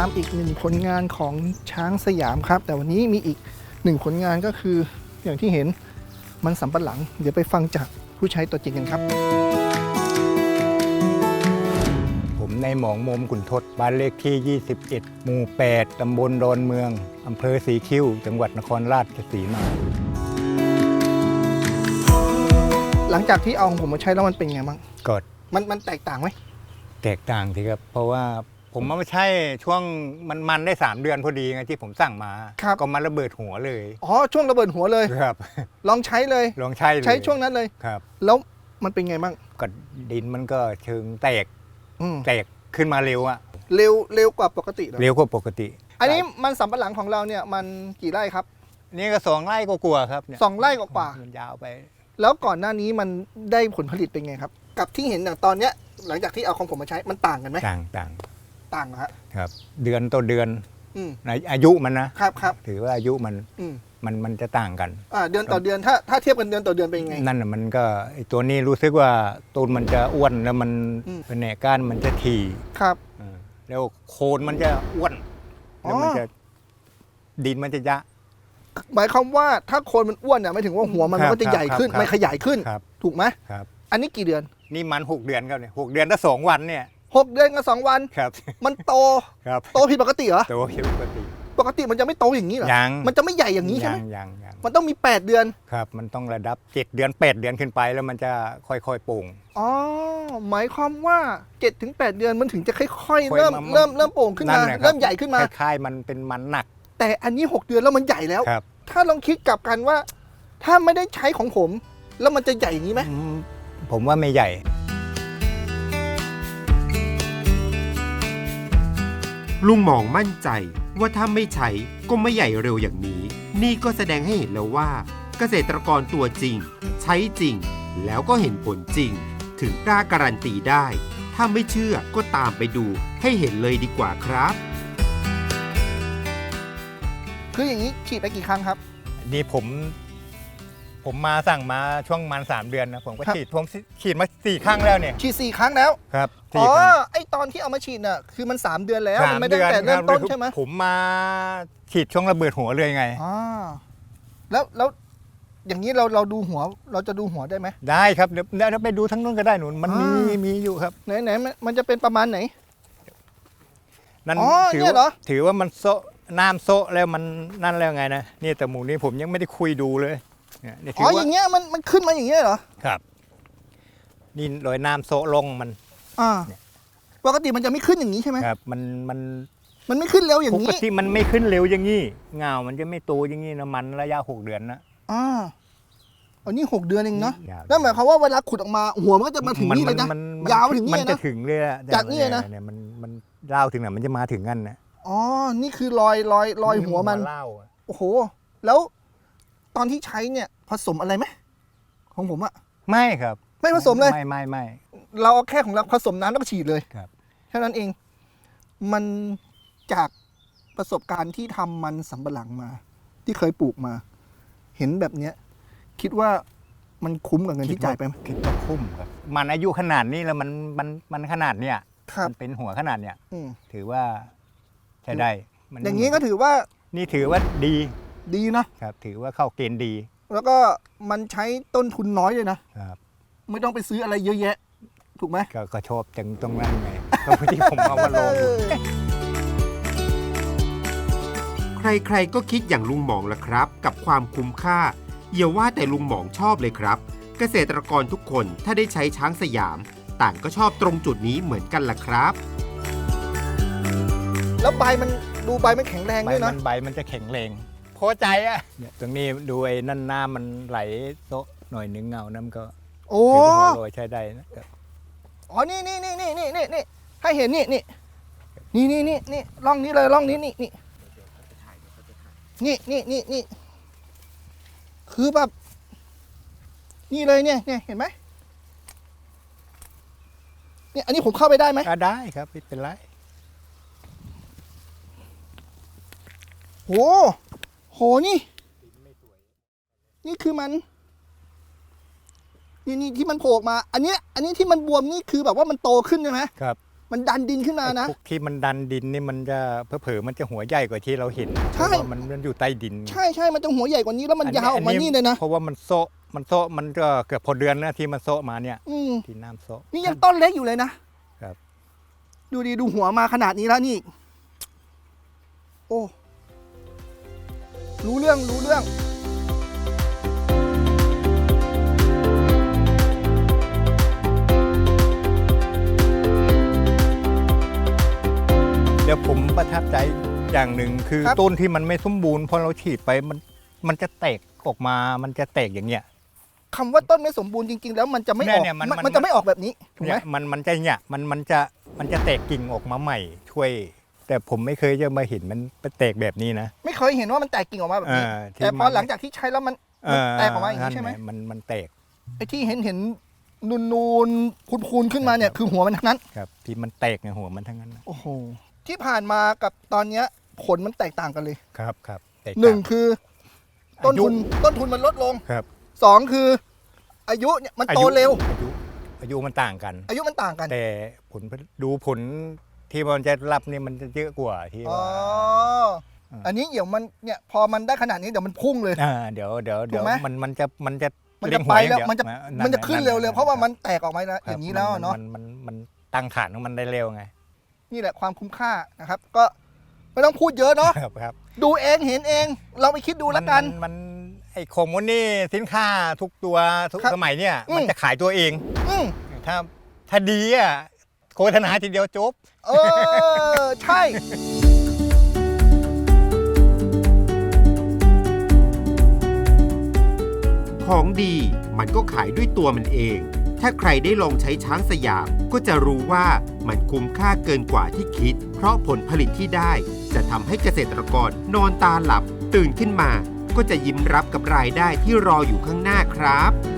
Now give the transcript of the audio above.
ามอีกหนึ่งผลงานของช้างสยามครับแต่วันนี้มีอีกหนึ่งผลงานก็คืออย่างที่เห็นมันสำปะหลังเดี๋ยวไปฟังจากผู้ใช้ตัวจริงกันครับผมในหมองมมขุนทดบ้านเลขที่ 21 หมู่ 8 ตำบลดอนเมือง อำเภอสีคิ้ว จังหวัดนครราชสีมาหลังจากที่เอาของผมมาใช้แล้วมันเป็นไงบ้างก็มันแตกต่างไหมแตกต่างทีครับ เพราะว่าผมมาใช้ช่วงมันได้ 3 เดือนพอดีไงที่ผมสั่งมา ก็มาระเบิดหัวเลยอ๋อช่วงระเบิดหัวเลยครับลองใช้เลยลองใช้เลยใช้ช่วงนั้นเลยครับแล้วมันเป็นไงบ้างก็ดินมันก็เชิงแตก แตกขึ้นมาเร็วอะเร็วกว่าปกติเหรอเร็วกว่าปกติอันนี้มันสำปะหลังของเราเนี่ยมันกี่ไร่ครับนี่ก็2 ไร่ก็กลัวครับเนี่ย 2 ไร่กว่ามันยาวไปแล้วก่อนหน้านี้มันได้ผลผลิตเป็นไงครับ กับที่เห็นอย่างตอนเนี้ยหลังจากที่เอาของผมมาใช้มันต่างกันไหมต่างต่างเหรอฮะครับ เดือนต่อเดือนอืมในอายุมันนะครับ ถือว่าอายุมันอืมมันจะต่างกันเดือนต่อเดือนถ้าเทียบกันเดือนต่อเดือนเป็นยังไงนั่นน่ะมันก็ไอตัวนี้รู้สึกว่าต้นมันจะอ้วนแล้วมันอืมเป็นแหนก้านมันจะถี่ครับแล้วโคนมันจะอ้วนแล้วมันจะดินมันจะยะหมายความว่าถ้าโคนมันอ้วนเนี่ยไม่ถึงว่าหัวมันครับก็จะใหญ่ขึ้นครับมันขยายขึ้นครับถูกไหมครับอันนี้กี่เดือนนี่มัน6 เดือนครับเนี่ย6 เดือนถ้า2 วันเนี่ย 6 เดือนกับ2 วันครับมันโตครับโตผิดปกติเหรอตัวผิดปกติปกติมันจะไม่โตอย่างนี้เหรอยังมันจะไม่ใหญ่อย่างนี้ใช่ไหมยังมันต้องมี8 เดือนครับ มันต้องระดับ7 เดือน8 เดือนขึ้นไปแล้วมันจะค่อยๆโป่งอ๋อหมายความว่า 7-8 เดือนมันถึงจะค่อยๆค่อยเริ่มมาเริ่มโป่งขึ้นมานั่นแหละครับเริ่มใหญ่ขึ้นมาคล้ายๆมันเป็นมันหนักแต่อันนี้ 6 เดือนแล้วมันใหญ่แล้วครับถ้าลองคิดกลับกันว่า ถ้าไม่ได้ใช้ของผม แล้วมันจะใหญ่อย่างนี้ไหมผมว่าไม่ใหญ่ลุงหมองมั่นใจว่าถ้าไม่ใช้ก็ไม่ใหญ่เร็วอย่างนี้ นี่ก็แสดงให้เห็นแล้วว่า เกษตรกรตัวจริง ใช้จริง แล้วก็เห็นผลจริง ถึงกล้าการันตีได้ ถ้าไม่เชื่อก็ตามไปดูให้เห็นเลยดีกว่าครับคืออย่างนี้ฉีดไปกี่ครั้งครับนี่ผมมาสั่งมาช่วงมัน3 เดือนนะผมก็ครับฉีดมา4 ครั้งแล้วเนี่ยฉีด4 ครั้งแล้วครับอ๋อ 4 ครั้งไอตอนที่เอามาฉีดน่ะคือมัน3 เดือนแล้วสามันมไม่ได้เดือนแต่เริ่มต้นครับใช่ไหมผมมาฉีดช่วงระเบิดหัวเลยไงอ๋อแล้วอย่างนี้เราดูหัวเราจะดูหัวได้ไหมได้ครับเดี๋ยวไปดูทั้งนู้นก็ได้หนุนมันมีอยู่ครับไหนมันจะเป็นประมาณไหนนั่นอ๋อถืเนี่ยเหรอถือว่ามันโซะน้ำโซะแล้วมันนั่นแล้วไงนะนี่แต่หมูนี้ผมยังไม่ได้คุยดูเลยเนี่ยถือ๋อออว่าย่างเงี้ยมันขึ้นมาอย่างเงี้ยเหรอครับ นี่รอยน้ำโซะลงมันอ่าปกติมันจะไม่ขึ้นอย่างนี้ใช่ไหมครับมันมันไม่ขึ้นเร็วอย่าปงกนี้ติมันไม่ขึ้นเร็วอย่างนี้เงามันจะไม่โตอย่างนี้นะมันระยะ6 เดือนนะอ่าอันนี้6 เดือนเองเนาะยาวนั่นหมายความว่าเวลาขุดออกมาหัวมันก็จะมาถึงนี่เลยนะ ยาวถึงนี่มันเลยจะนะถึงเลยอะจากนี่เลยนะเนี่ยมันเล่าถึงไหนมันจะมาถึงกันนะอ๋อนี่คือรอยหัวมันเล่าอะโอ้โห แล้วตอนที่ใช้เนี่ยผสมอะไรไหมของผมอะไม่ครับไม่ผสมเลยไม่เราเอาแค่ของเราผสมน้ำแล้วก็ฉีดเลยครับแค่นั้นเอง มันจากประสบการณ์ที่ทำมันสำปะหลังมา ที่เคยปลูกมา เห็นแบบเนี้ย คิดว่ามันคุ้มกับเงินที่จ่ายไปไหมคิดว่าคุ้มครับมันอายุขนาดนี้แล้วมันขนาดเนี้ยครับมันเป็นหัวขนาดเนี้ยอืมถือว่าใช้ได้มัอย่างนี้ก็ถือว่านี่ถือว่าดีดีเนาะครับ ถือว่าเข้าเกณฑ์ดีแล้วก็มันใช้ต้นทุนน้อยเลยนะครับ ไม่ต้องไปซื้ออะไรเยอะแยะ ถูกไหมก็ชอบจังตรงนั้นไงตรงที่ผมเอามาลงใครๆก็คิดอย่างลุงหมองละครับ กับความคุ้มค่าอย่าว่าแต่ลุงหมองชอบเลยครับ เกษตรกรทุกคนถ้าได้ใช้ช้างสยาม ต่างก็ชอบตรงจุดนี้เหมือนกันล่ะครับแล้วใบมันดูใบมันแข็งแรงใบด้วยนะมันจะแข็งแรงพอใจอ่ะเนี่ยตรงนี้ดูไอ้นั่นน้ำมันไหลโซะหน่อยนึงเงาน้ำก็โอ้ถือว่าโรยใช้ได้นะครับอ๋อ นี่ให้เห็นนี่ร่องนี้เลยร่องนี้นี่คือแบบนี่เลยเนี่ยเห็นไหมเนี่ยอันนี้ผมเข้าไปได้ไหมได้ครับไม่เป็นไรโหนี่คือมันนี่ที่มันโผล่ออกมา อันนี้ที่มันบวมนี่คือแบบว่ามันโตขึ้นใช่ไหมครับมันดันดินขึ้นมานะไอ้พวกที่มันดันดินนี่มันจะเผลอๆมันจะหัวใหญ่กว่าที่เราเห็นใช่เพราะว่ามันอยู่ใต้ดินใช่มันจะหัวใหญ่กว่านี้แล้วมันยาวออกมานี่เลยนะเพราะว่ามันโซะมันก็เกือบพอเดือนนะที่มันโซะมาเนี่ย ที่น้ำโซะนี่ยังต้นเล็กอยู่เลยนะครับ ดูดีดูหัวมาขนาดนี้แล้วนี่ โอ้ รู้เรื่องเดี๋ยวผมประทับใจอย่างหนึ่งคือครับต้นที่มันไม่สมบูรณ์พอเราฉีดไปมันจะแตกออกมามันจะแตกอย่างเงี้ยคำว่าต้นไม่สมบูรณ์จริงๆ แล้วมันจะไม่ออกเนี่ยมันมันจะไม่ออกแบบนี้ถูกไหเนี่มยมันจะเนี่ยมันจะแตกกิ่งออกมาใหม่ช่วย แต่ผมไม่เคยจะมาเห็นมันเป็นแตกแบบนี้นะไม่เคยเห็นว่ามันแตกกิ่งออกมาแบบนี้ที่แต่พอหลังจากที่ใช้แล้วมันแตกออกมาอย่างนี้ใช่ไหมมันแตกไอ้ที่เห็นนูนคูนขึ้นมาเนี่ยคือหัวมันทั้งนั้นครับที่มันแตกในหัวมันทั้งนั้นนะโอ้โหที่ผ่านมากับตอนเนี้ยผลมันแตกต่างกันเลยครับแตกหนึ่งต่าคือต้นทุนมันลดลงครับสองคือ อายุเนี่ยมันโตเร็วอายุมันต่างกันอายุมันต่างกันแต่ผลที่มันจะรับนี่มันจะเยอะกว่าที่อ๋อว่าอันนี้เดี๋ยวมันเนี่ยพอมันได้ขนาดนี้เดี๋ยวมันพุ่งเลยเดี๋ยวถูกไหมมันจะมันจะเร่งไปหัแล้วอย่างมันจะเดียวมันจะขึ้นเร็วๆเพราะว่ามันแตกออกมาแล้วคอรับย่างนี้แล้วเนาะมันตั้งฐานของมันได้เร็วไงนี่แหละความคุ้มค่านะครับ ก็ไม่ต้องพูดเยอะเนาะครับดูเองเห็นเอง เราไปคิดดูแล้วกันมันไอ้ของมันนี่สินค้าทุกตัวทุกครับสมัยเนี่ยอืมมันจะขายตัวเองอืมถ้าดีอ่ะโฆษณาทีเดียวจบใช่ของดีมันก็ขายด้วยตัวมันเอง ถ้าใครได้ลองใช้ช้างสยามก็จะรู้ว่ามันคุ้มค่าเกินกว่าที่คิด เพราะผลผลิตที่ได้จะทำให้เกษตรกรนอนตาหลับตื่นขึ้นมา ก็จะยิ้มรับกับรายได้ที่รออยู่ข้างหน้าครับ